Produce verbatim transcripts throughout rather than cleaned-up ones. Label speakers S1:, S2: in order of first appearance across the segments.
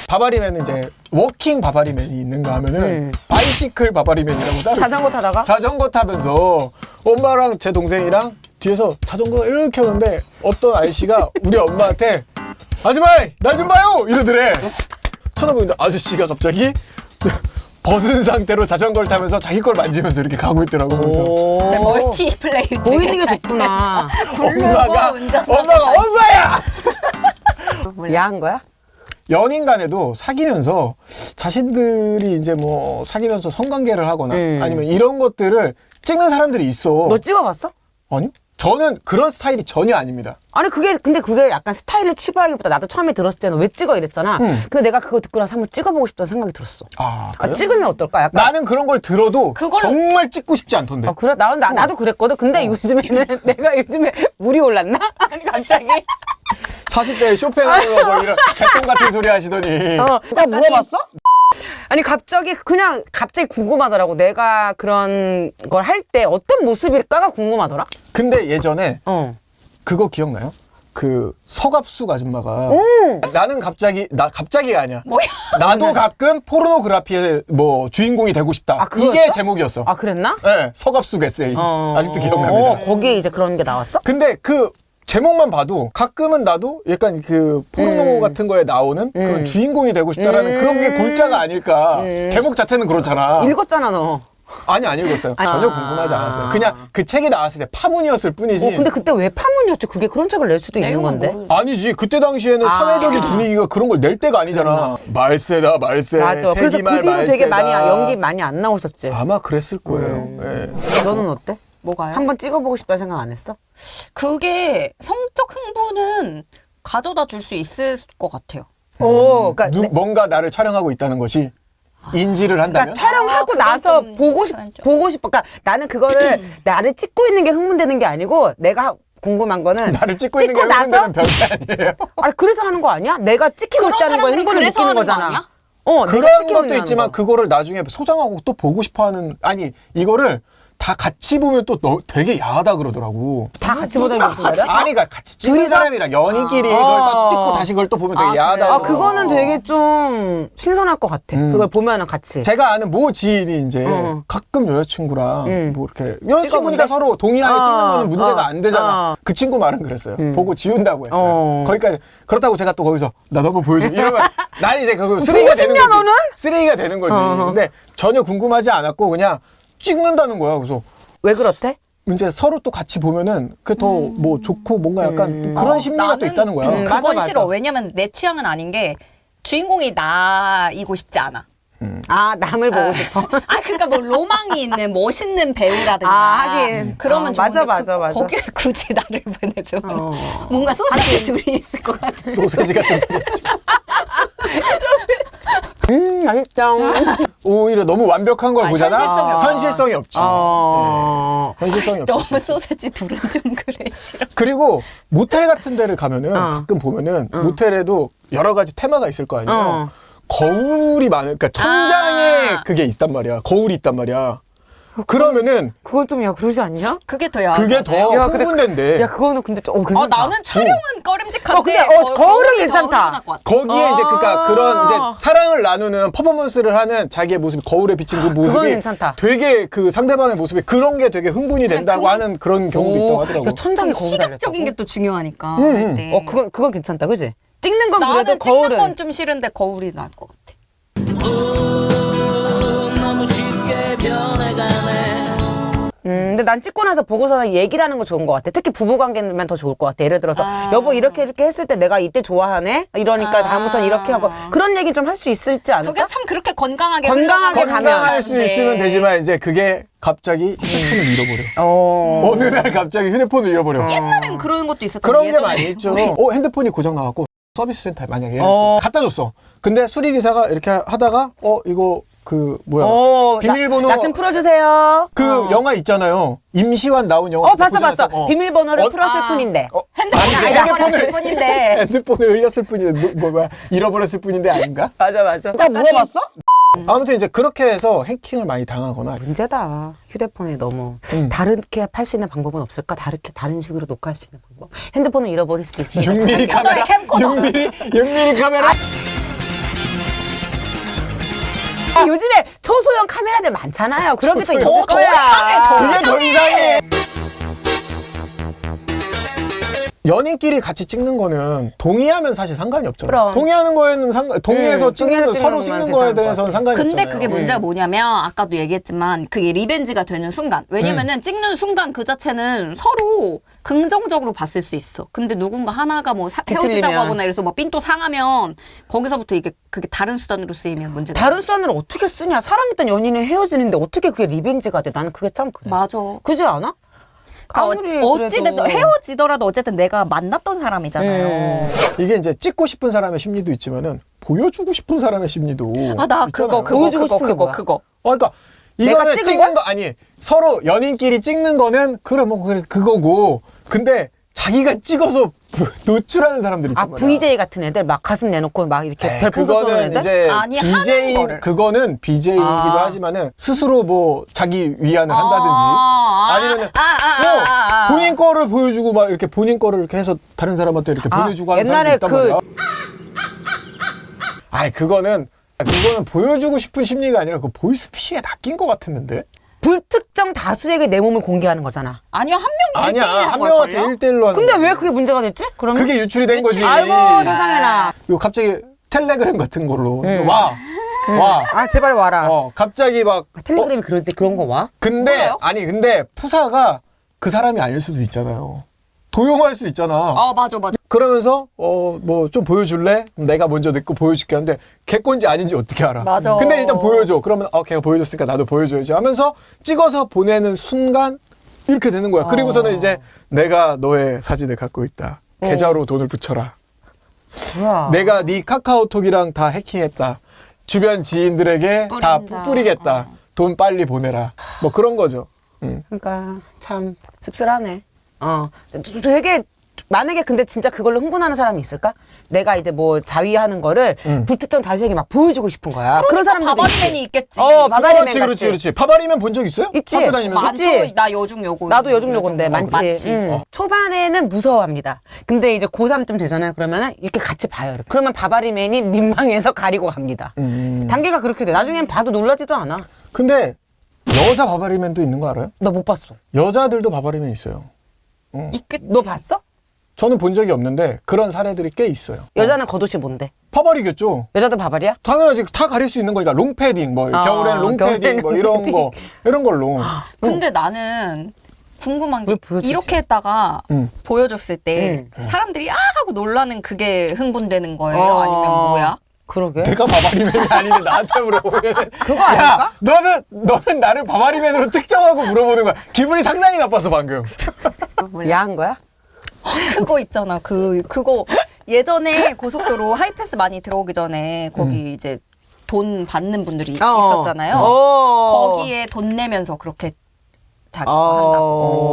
S1: 바바리맨은 이제 워킹 바바리맨이 있는가 하면은
S2: 음.
S1: 바이시클 바바리맨이라고 따로
S2: 자전거
S1: 있어요.
S2: 타다가?
S1: 자전거 타면서 엄마랑 제 동생이랑 뒤에서 자전거 이렇게 하는데 어떤 아저씨가 우리 엄마한테 아줌마 나 좀 봐요 이러더래. 쳐다보는데 아저씨가 갑자기 벗은 상태로 자전거를 타면서 자기 걸 만지면서 이렇게 가고 있더라고. 그래서
S3: 이제 멀티플레이
S2: 보이는 게 좋구나.
S1: 엄마가
S3: 운전하다가
S1: 엄마가 엄마야.
S2: 야한 거야?
S1: 연인 간에도 사귀면서 자신들이 이제 뭐 사귀면서 성관계를 하거나
S2: 음.
S1: 아니면 이런 것들을 찍는 사람들이 있어.
S2: 너 찍어봤어?
S1: 아니요? 저는 그런 스타일이 전혀 아닙니다.
S2: 아니 그게 근데 그게 약간 스타일을 취급하기보다 나도 처음에 들었을 때는 왜 찍어 이랬잖아.
S1: 음.
S2: 근데 내가 그거 듣고 나서 한번 찍어보고 싶다는 생각이 들었어.
S1: 아,
S2: 아,
S1: 그래요?
S2: 찍으면 어떨까? 약간
S1: 나는 그런 걸 들어도
S3: 그걸-
S1: 정말 찍고 싶지 않던데.
S2: 아 그래? 나, 나, 나도 그랬거든. 근데 요즘에는 내가 요즘에 물이 올랐나? 아니 갑자기
S1: 사십 대에 쇼팽하고 뭐 이런 개똥 같은 소리 하시더니.
S2: 어, 진짜 물어봤어? 아니 갑자기 그냥 갑자기 궁금하더라고. 내가 그런 걸 할 때 어떤 모습일까가 궁금하더라.
S1: 근데 예전에
S2: 어.
S1: 그거 기억나요? 그 서갑숙 아줌마가
S2: 음.
S1: 나는 갑자기 나 갑자기가 아니야.
S3: 뭐야?
S1: 나도 가끔 포르노그래피의 뭐 주인공이 되고 싶다.
S2: 아, 그거였어?
S1: 이게 제목이었어.
S2: 아 그랬나?
S1: 네, 서갑숙 에세이.
S2: 어.
S1: 아직도 기억납니다.
S2: 어, 거기에 이제 그런 게 나왔어?
S1: 근데 그 제목만 봐도 가끔은 나도 약간 그 포르노
S2: 음.
S1: 같은 거에 나오는 그런
S2: 음.
S1: 주인공이 되고 싶다라는
S2: 음.
S1: 그런 게 골자가 아닐까.
S2: 음.
S1: 제목 자체는 그렇잖아.
S2: 읽었잖아 너.
S1: 아니 안 읽었어요.
S2: 아.
S1: 전혀 궁금하지 않았어요. 그냥 그 책이 나왔을 때 파문이었을 뿐이지.
S2: 어, 근데 그때 왜 파문이었지? 그게 그런 책을 낼 수도 있는
S3: 내용은
S2: 건데.
S3: 모르-
S1: 아니지. 그때 당시에는
S2: 아.
S1: 사회적인 분위기가 그런 걸 낼 때가 아니잖아. 말세다 말세.
S2: 맞아. 그래서 그
S1: 세기말
S2: 뒤로 되게
S1: 말세다.
S2: 많이 연기 많이 안 나오셨지.
S1: 아마 그랬을 거예요.
S2: 음.
S1: 예.
S2: 너는 어때?
S3: 뭐가요?
S2: 한번 찍어보고 싶다 생각 안 했어?
S3: 그게 성적 흥분은 가져다 줄 수 있을 것 같아요.
S2: 오, 그러니까,
S1: 누,
S2: 내-
S1: 뭔가 나를 촬영하고 있다는 것이 인지를 한다면.
S2: 그러니까 촬영하고
S3: 아, 그건
S2: 나서
S3: 좀-
S2: 보고 싶
S3: 그건 좀-
S2: 보고 싶어. 그러니까 나는 그거를 나를 찍고 있는 게 흥분되는 게 아니고 내가 궁금한 거는
S1: 나를 찍고 있는 게
S2: 찍고 나서
S1: 흥분되는 별게 아니에요.
S2: 아니 그래서 하는 거 아니야? 내가 찍히고
S3: 그런
S2: 있다는 거에
S3: 사람들은
S2: 흥분을
S3: 그래서
S2: 느끼는
S3: 하는 거
S2: 거잖아.
S3: 아니야?
S2: 어, 내가
S1: 그런
S2: 찍히고
S1: 것도
S2: 있는
S1: 있지만
S2: 거.
S1: 그거를 나중에 소장하고 또 보고 싶어하는 아니 이거를 다 같이 보면 또 너, 되게 야하다 그러더라고.
S2: 다 같이 보다니 무슨 말이야?
S1: 아니 그러니까 같이 찍은
S2: 둘이서?
S1: 사람이랑 연인끼리
S2: 아.
S1: 이걸 또
S2: 아.
S1: 찍고 다시 그걸 또 보면 되게
S3: 아,
S1: 야하다.
S3: 그래요?
S2: 아 그거는 되게 좀 신선할 것 같아.
S1: 음.
S2: 그걸 보면은 같이.
S1: 제가 아는 모 지인이 이제
S2: 어.
S1: 가끔 여자친구랑
S2: 음.
S1: 뭐 이렇게 여자친구니까
S2: 찍어본대?
S1: 서로 동의하에
S2: 어,
S1: 찍는 거는 문제가
S2: 어,
S1: 안 되잖아.
S2: 어.
S1: 그 친구 말은 그랬어요.
S2: 음.
S1: 보고 지운다고 했어요.
S2: 어.
S1: 거기까지 그렇다고 제가 또 거기서 나도 한번 보여줘 이러면 난 이제 그거 쓰레기가 되는
S2: 싶냐,
S1: 거지.
S2: 너는?
S1: 쓰레기가 되는 거지.
S2: 어.
S1: 근데 전혀 궁금하지 않았고 그냥 찍는다는 거야. 그래서
S2: 왜 그렇대?
S1: 이제 서로 또 같이 보면은 그게 더 뭐 좋고 뭔가 약간
S2: 음.
S1: 그런
S3: 어,
S1: 심리가 또
S3: 나는-
S1: 있다는 거야.
S2: 음,
S3: 그건
S2: 맞아, 맞아.
S3: 싫어. 왜냐면 내 취향은 아닌 게 주인공이 나이고 싶지 않아.
S2: 아 남을 보고 싶어.
S3: 아, 그러니까 뭐 로망이 있는 멋있는 배우라든가.
S2: 아, 하긴.
S3: 그러면
S2: 어,
S3: 좋은데
S2: 맞아, 맞아,
S3: 그,
S2: 맞아.
S3: 거기에 굳이 나를 보내줘.
S2: 어.
S3: 뭔가 소세지 둘이 있을 것 같아.
S1: 소세지 같은 소리지.
S2: 음 맛있다.
S1: 오히려 너무 완벽한 걸
S3: 아,
S1: 보잖아.
S3: 현실성이 없다.
S1: 현실성이 없지.
S2: 어.
S1: 네. 현실성이 없지.
S3: 너무 소세지 둘은 좀 그래 싫어.
S1: 그리고 모텔 같은 데를 가면은
S2: 어.
S1: 가끔 보면은 모텔에도 여러 가지 테마가 있을 거 아니에요.
S2: 어.
S1: 거울이 많은, 그러니까 천장에
S3: 아.
S1: 그게 있단 말이야. 거울이 있단 말이야. 그러면은
S2: 그건 좀 야 그러지 않냐?
S3: 그게 더 야.
S1: 그게 더
S2: 야, 그래.
S1: 흥분된대.
S2: 야 그거는 근데 좀 어,
S3: 아,
S2: 괜찮다.
S3: 나는 촬영은 꺼림직한데.
S2: 어, 근데, 어,
S3: 거-
S2: 거울은
S3: 거울이 더
S2: 괜찮다.
S3: 흥분할 것 같아.
S1: 거기에 이제 그니까
S2: 아.
S1: 그런 이제 사랑을 나누는 퍼포먼스를 하는 자기의 모습, 거울에 비친 그 모습이
S2: 괜찮다.
S1: 되게 그 상대방의 모습이 그런 게 되게 흥분이 된다고
S3: 그런-
S1: 하는 그런 경우도 있다고 하더라고.
S2: 야, 천장에 거울
S3: 시각적인 게
S2: 달렸다고?
S3: 또 중요하니까.
S1: 음,
S3: 할
S1: 음.
S3: 때.
S2: 어 그건 그건 괜찮다, 그지? 찍는 건 그래도
S3: 나는 찍는
S2: 거울은.
S3: 건 좀 싫은데 거울이 나을 것 같아.
S4: 너무 쉽게 변해가네.
S2: 음, 근데 난 찍고 나서 보고서 얘기를 하는 거 좋은 것 같아. 특히 부부관계면 더 좋을 것 같아. 예를 들어서
S3: 아.
S2: 여보 이렇게 이렇게 했을 때 내가 이때 좋아하네. 이러니까
S3: 아.
S2: 다음부터는 이렇게 하고 그런 얘기 좀 할 수 있을지 않을까?
S3: 그게 참 그렇게 건강하게
S2: 건강하게
S3: 흘러가면
S1: 건강할 수
S3: 괜찮은데.
S1: 있으면 되지만 이제 그게 갑자기 휴대폰을 잃어버려.
S2: 어.
S1: 어느 날 갑자기 휴대폰을 잃어버려.
S3: 옛날엔 그런 것도 있었잖아.
S1: 그런 게
S3: 예전에.
S1: 많이 있죠. 어, 핸드폰이 고장 나갖고 서비스 센터에 만약에
S2: 어.
S1: 갖다 줬어. 근데 수리기사가 이렇게 하다가 어 이거 그 뭐야
S2: 어,
S1: 비밀번호
S2: 나 좀 풀어주세요.
S1: 그
S2: 어.
S1: 영화 있잖아요. 임시완 나온 영화.
S2: 어 봤어 봤어.
S1: 고장났어. 어.
S2: 비밀번호를
S1: 어,
S2: 풀었을
S3: 아.
S2: 뿐인데.
S1: 어,
S3: 핸드폰이
S1: 아니지,
S3: 잃어버렸을 뿐인데.
S1: 핸드폰을 흘렸을 뿐인데 노- 뭐 뭐야 잃어버렸을 뿐인데 아닌가?
S2: 맞아 맞아. 나 물어봤어?
S1: 아무튼 이제 그렇게 해서 해킹을 많이 당하거나
S2: 문제다. 휴대폰에 너무
S1: 음.
S2: 다르게 할 수 있는 방법은 없을까? 다르게 다른 식으로 녹화할 수 있는 방법. 핸드폰을 잃어버릴 수도 있으니까.
S1: 육 밀리미터 카메라,
S3: 캠코더.
S1: 육 밀리미터 육 밀리미터 카메라.
S2: 아니 요즘에 초소형 카메라들 많잖아요. 그런 게 또 있을
S1: 초소형.
S2: 거야.
S1: 그게 더 이상해. 연인끼리 같이 찍는 거는 동의하면 사실 상관이 없잖아.
S2: 그럼.
S1: 동의하는 거에는 상관, 동의해서
S2: 음,
S1: 찍는
S2: 동의해서
S1: 거, 서로
S2: 찍는
S1: 찍는
S2: 거면
S1: 거에
S2: 괜찮을 것
S1: 대해서는 상관이
S3: 근데
S1: 없잖아요.
S3: 그게 문제가 뭐냐면 아까도 얘기했지만 그게 리벤지가 되는 순간 왜냐면은
S1: 음.
S3: 찍는 순간 그 자체는 서로 긍정적으로 봤을 수 있어. 근데 누군가 하나가 뭐 사- 헤어지자고
S2: 뒤틀리면.
S3: 하거나 이래서 뭐 삔또 상하면 거기서부터 이게 그게 다른 수단으로 쓰이면 문제가
S2: 다른 수단으로 어떻게 쓰냐? 사랑했던 연인이 헤어지는데 어떻게 그게 리벤지가 돼? 나는 그게 참 그래.
S3: 맞아.
S2: 그지 않아? 아무리
S3: 그러니까 어찌됐든
S2: 그래도.
S3: 헤어지더라도 어쨌든 내가 만났던 사람이잖아요.
S2: 음.
S1: 이게 이제 찍고 싶은 사람의 심리도 있지만은 보여주고 싶은 사람의 심리도
S3: 아 나
S1: 있잖아요.
S3: 그거 그거
S2: 보여주고
S3: 그거
S2: 싶은 게
S3: 그거
S2: 뭐야?
S3: 그거.
S1: 어, 그러니까
S2: 내가
S1: 이거는
S2: 찍은
S1: 찍는 거 아니 서로 연인끼리 찍는 거는 그래 뭐 그래 그거고 근데 자기가 찍어서 노출하는 사람들이
S2: 아
S1: 있단 말이야.
S2: 브이제이 같은 애들 막 가슴 내놓고 막 이렇게
S1: 에이,
S2: 별풍선 쏘는
S1: 그거는
S2: 애들?
S1: 이제
S3: 아니,
S1: 비제이
S3: 하는 거를.
S1: 그거는 비제이이기도
S2: 아.
S1: 하지만은 스스로 뭐 자기 위안을 한다든지
S3: 아, 아,
S1: 아니면은
S3: 아, 아, 아,
S1: 뭐
S3: 아, 아.
S1: 본인 거를 보여주고 막 이렇게 본인 거를 이렇게 해서 다른 사람한테 이렇게
S2: 아,
S1: 보내주고 하는
S2: 옛날에
S1: 사람도 있단
S2: 그-
S1: 말이야. 아이 그거는 그거는 보여주고 싶은 심리가 아니라 그 보이스피싱에 낚인 것 같았는데.
S2: 불특정 다수에게 내 몸을 공개하는 거잖아.
S3: 아니요 한 명이
S1: 아니야
S3: 일대일
S1: 한 명한테 일 대일로 하는
S2: 근데
S1: 거야.
S2: 왜 그게 문제가 됐지? 그러면
S1: 그게 유출이 된 거지.
S2: 아이고 세상에나.
S1: 요 갑자기 텔레그램 같은 걸로
S2: 응.
S1: 와. 와.
S2: 아 제발 와라.
S1: 어, 갑자기 막
S2: 텔레그램이 그럴 때 그런 거 와?
S1: 근데
S3: 뭐예요?
S1: 아니 근데 푸사가 그 사람이 아닐 수도 있잖아요. 도용할 수 있잖아.
S3: 아 맞아 맞아.
S1: 그러면서 어 뭐 좀 보여줄래? 내가 먼저 내거 보여줄게 하는데 걔건지 아닌지 어떻게 알아?
S3: 맞아.
S1: 근데 일단 보여줘. 그러면 어 걔가 보여줬으니까 나도 보여줘야지 하면서 찍어서 보내는 순간 이렇게 되는 거야. 그리고서는 이제 내가 너의 사진을 갖고 있다. 계좌로 돈을 붙여라.
S2: 뭐야?
S1: 내가 네 카카오톡이랑 다 해킹했다. 주변 지인들에게 다
S3: 뿌린다.
S1: 뿌리겠다. 돈 빨리 보내라. 뭐 그런 거죠. 음.
S2: 그러니까 참 씁쓸하네. 어, 되게 만약에 근데 진짜 그걸로 흥분하는 사람이 있을까? 내가 이제 뭐 자위하는 거를
S1: 음.
S2: 불특정 다수에게 막 보여주고 싶은 거야. 그런 사람들도
S3: 바바리맨이
S2: 있지.
S3: 있겠지.
S2: 어, 바바리맨
S1: 그렇지,
S2: 같이.
S1: 그렇지, 그렇지. 바바리맨 본 적 있어요?
S2: 있지.
S1: 학교 다니면서?
S3: 많죠.
S2: 그치?
S3: 나 여중 요고.
S2: 나도 요즘 요건데 많지.
S3: 많지.
S2: 응.
S1: 어.
S2: 초반에는 무서워합니다. 근데 이제 고삼쯤 되잖아요. 그러면은 이렇게 같이 봐요. 이렇게. 그러면 바바리맨이 민망해서 가리고 갑니다.
S1: 음.
S2: 단계가 그렇게 돼. 나중엔 봐도 놀라지도 않아.
S1: 근데 여자 바바리맨도 있는 거 알아요?
S2: 너 못 봤어.
S1: 여자들도 바바리맨 있어요.
S3: 있겠지.
S2: 너 봤어?
S1: 저는 본 적이 없는데 그런 사례들이 꽤 있어요.
S2: 여자는 겉옷이 뭔데?
S1: 바바리겠죠.
S2: 여자도 바바리야?
S1: 당연하지. 다 가릴 수 있는 거니까 롱패딩, 뭐
S2: 아,
S1: 겨울엔 롱패딩,
S2: 겨울엔
S1: 뭐 이런 거 이런 걸로.
S3: 근데 나는 궁금한 게
S2: 왜 보여주지?
S3: 이렇게 했다가
S1: 음.
S3: 보여줬을 때
S2: 음.
S3: 사람들이 아 하고 놀라는 그게 흥분되는 거예요?
S2: 어.
S3: 아니면 뭐야?
S2: 그러게.
S1: 내가 바바리맨이 아닌데 나한테 물어보면
S2: 그거 아닐까?
S1: 야, 너는 너는 나를 바바리맨으로 특정하고 물어보는 거야. 기분이 상당히 나빴어 방금.
S2: 야한 거야?
S3: 그거 있잖아. 그 그거 예전에 고속도로 하이패스 많이 들어오기 전에 거기 이제 돈 받는 분들이 있었잖아요.
S2: 어.
S3: 거기에 돈 내면서 그렇게 자기 거 한다고.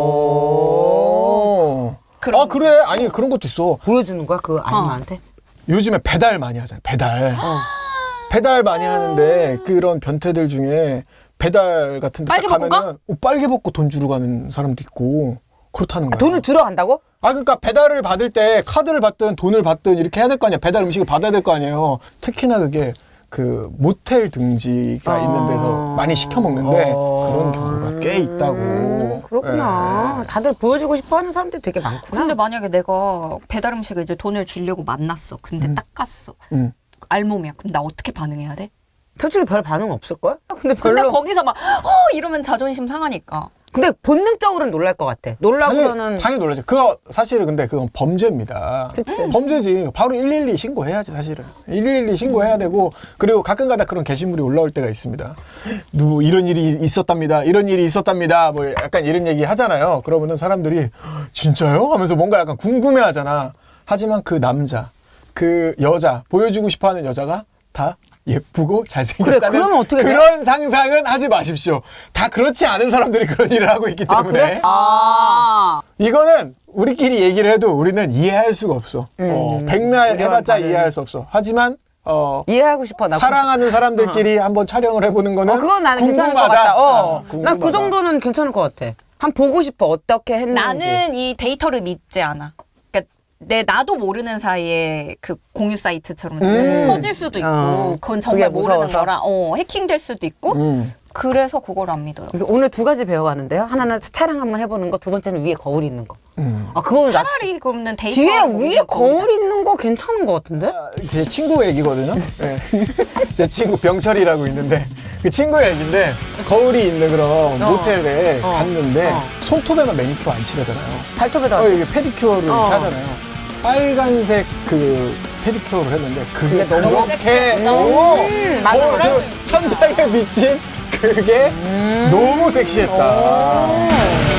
S1: 어.
S3: 그런
S1: 아 그래? 아니 그런 것도 있어.
S2: 보여주는 거야 그 아줌마한테?
S1: 요즘에 배달 많이 하잖아요. 배달.
S2: 어.
S1: 배달 많이 하는데 그런 변태들 중에 배달 같은 데 딱
S3: 빨개 벗고
S1: 가면은 어, 빨개 벗고 돈 주러 가는 사람도 있고 그렇다는 거야.
S2: 돈을 주러 간다고?
S1: 아 그러니까 배달을 받을 때 카드를 받든 돈을 받든 이렇게 해야 될 거 아니야. 배달 음식을 받아야 될 거 아니에요. 특히나 그게 그 모텔 등지가
S2: 아.
S1: 있는 데서 많이 시켜 먹는데
S2: 어.
S1: 그런 경우가 꽤 있다고.
S2: 음, 그렇구나. 다들 보여주고 싶어 하는 사람들이 되게 많구나.
S3: 근데 만약에 내가 배달 음식을 이제 돈을 주려고 만났어. 근데 딱 갔어.
S1: 음.
S3: 알몸이야. 그럼 나 어떻게 반응해야 돼?
S2: 솔직히 별 반응 없을걸? 근데 별로.
S3: 근데
S2: 근데,
S3: 거기서 막 어 이러면 자존심 상하니까.
S2: 본능적으로는 놀랄 것 같아. 놀라고서는.
S1: 당연히, 당연히 놀라죠. 그거 사실은 근데 그건 범죄입니다.
S2: 그치.
S1: 범죄지. 바로 일일이 신고해야지 사실은. 일일이 신고해야 되고 그리고 가끔가다 그런 게시물이 올라올 때가 있습니다. 누구 이런 일이 있었답니다. 이런 일이 있었답니다. 뭐 약간 이런 얘기 하잖아요. 그러면은 사람들이 진짜요? 하면서 뭔가 약간 궁금해하잖아. 하지만 그 남자, 그 여자 보여주고 싶어하는 여자가 다 예쁘고 잘생겼다는
S2: 그래, 그러면 어떻게 돼?
S1: 그런 상상은 하지 마십시오. 다 그렇지 않은 사람들이 그런 일을 하고 있기
S2: 아,
S1: 때문에.
S2: 그래?
S3: 아.
S1: 이거는 우리끼리 얘기를 해도 우리는 이해할 수가 없어.
S2: 음,
S1: 어, 백날
S2: 우리와는
S1: 해봤자
S2: 다른-
S1: 이해할 수 없어. 하지만 어,
S2: 이해하고 싶어. 나
S1: 사랑하는 사람들끼리 한번 촬영을 해보는 거는
S2: 어, 그건 나는 괜찮을 것
S1: 궁금하다.
S2: 같다. 어.
S1: 아,
S2: 난 그 정도는 괜찮을 것 같아. 한 보고 싶어. 어떻게 했는지.
S3: 나는 이 데이터를 믿지 않아. 그러니까 내 나도 모르는 사이에 그 공유 사이트처럼 진짜
S2: 음.
S3: 퍼질 수도 있고
S2: 어.
S3: 그건 정말
S2: 그게
S3: 모르는
S2: 무서워서?
S3: 거라 어, 해킹될 수도 있고
S1: 음.
S3: 그래서 그걸 안 믿어요.
S2: 그래서 오늘 두 가지 배워가는데요. 하나는 차량 한번 해보는 거, 두 번째는 위에 거울이 있는 거.
S1: 음.
S2: 아, 그거는 나
S3: 차라리 그러면 데이터
S2: 뒤에 위에 거울 있는 거 괜찮은 것 같은데?
S1: 제 친구 얘기거든요. 네. 제 친구 병철이라고 있는데 그 친구 얘기인데 거울이 있는 그런
S2: 어.
S1: 모텔에
S2: 어.
S1: 갔는데
S2: 어.
S1: 손톱에만 매니큐어 안 칠하잖아요.
S2: 발톱에다.
S1: 어, 이게 페디큐어를 이렇게
S2: 어.
S1: 하잖아요. 빨간색 그 페디큐어를 했는데 그게
S2: 그게 너무
S1: 그렇게
S3: 섹시했어.
S1: 오,
S2: 음, 맞아.
S1: 거울, 그 천장에 비친 그게 너무 섹시했다.
S2: 오.